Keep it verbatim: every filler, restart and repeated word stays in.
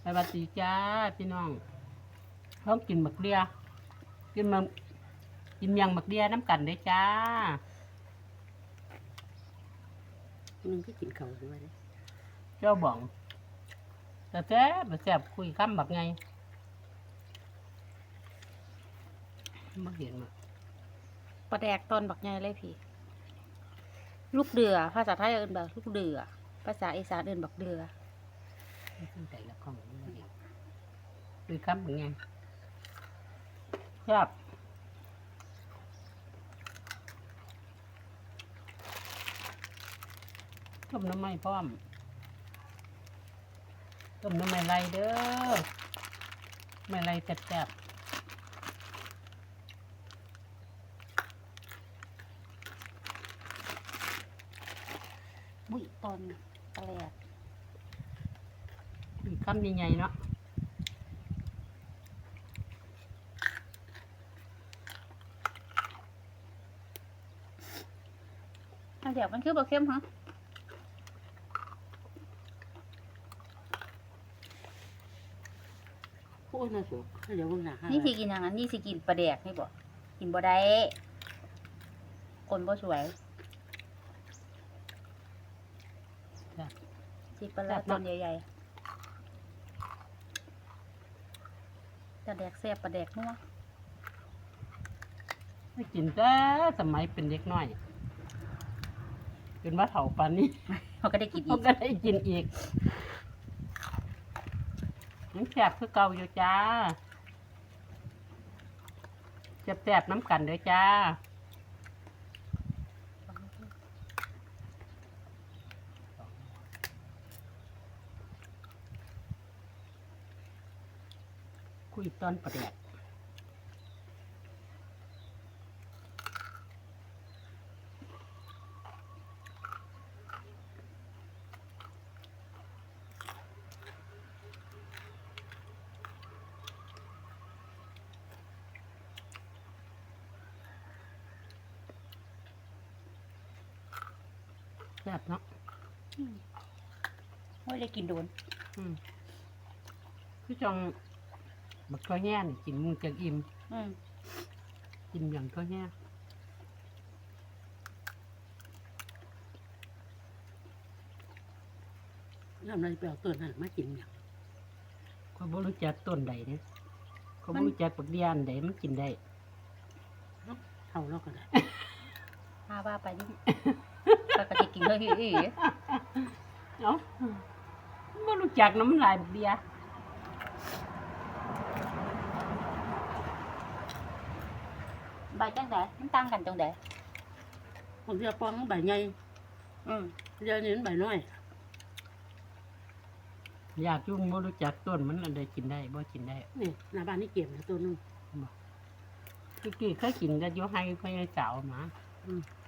วัสดีจ้าพี่น้องท้องกินหมักเดียกินมันกินเมียงหมักเดียน้ำกันได้จ้ามึงก็กินเขาด้วยเจ้าบ่องแต่แซ่บแซ่บคุยคำแบบไงไม่เห็นมาปลาแดกตอนบักใหญ่เลยพี่ ลูกเดือภาษาไทยเอิ้นแบบลูกเดือภาษาอีสานเอิ้นบักเดือไม่ขึ้นใจละกล้องไม่เห็นคุยคำแบบไงครับต้มน้ำไม่พร้อมต้มน้ำไม่ไรเด้อไม่ไรแซ่บบุยตอนปลาแดกๆคุยคำใหญ่ๆเนาะปลาแดกมันคือบักเข้มฮะโอ้ยน่าสุกเดี๋ยวมึงหนานี่สิกินอย่างนั้นนี่สิกินปลาแดกนี่บ่กินบ่ได้คนบ่สวยสิปลาแดกตอนใหญ่ๆปลาแดกแซ่บปลาแดกนัวไม่กินแต่สมัยเป็นเด็กน้อยจนว่าเฒ่าปานนี้เขาก็ได้กินอีเขากก็ได้กินอีกยังแซ่บคือเก่าอยู่จ้าแซ่บๆน้ำกันเด้อจ้าคุยตอนประแดกแซ่บเนาะไม่ได้กินโดนอืมคือจังบักข้าวแห้งนี่กินมึงจะอิ่มอืมกินอย่างข้าวแห้งทำอะไรไปเอาตัวนั้นมากินอย่างเขาบ่รู้จักต้นใดเนี่ยเขาบ่รู้จักบักเดียนใดมันกินได้เอาแล้วก็ได้พาว่าไปนี่ปกติกินเฮ้ยอีเนาะบ่รู้จักน้ำลายบักเดียใบจังไดมันต่างกันจังไดบางทีปองใบใหญ่อืมเดี๋ยวนี้ใบน้อยอยากจุ่งบ่รู้จักต้นมันอันใดกินได้บ่กินได้นี่หน้าบ้านนี่เก็บนะตัวนึงคือกี้เคยกินแต่อยู่ให้พ่อใหญ่สาวมาอืม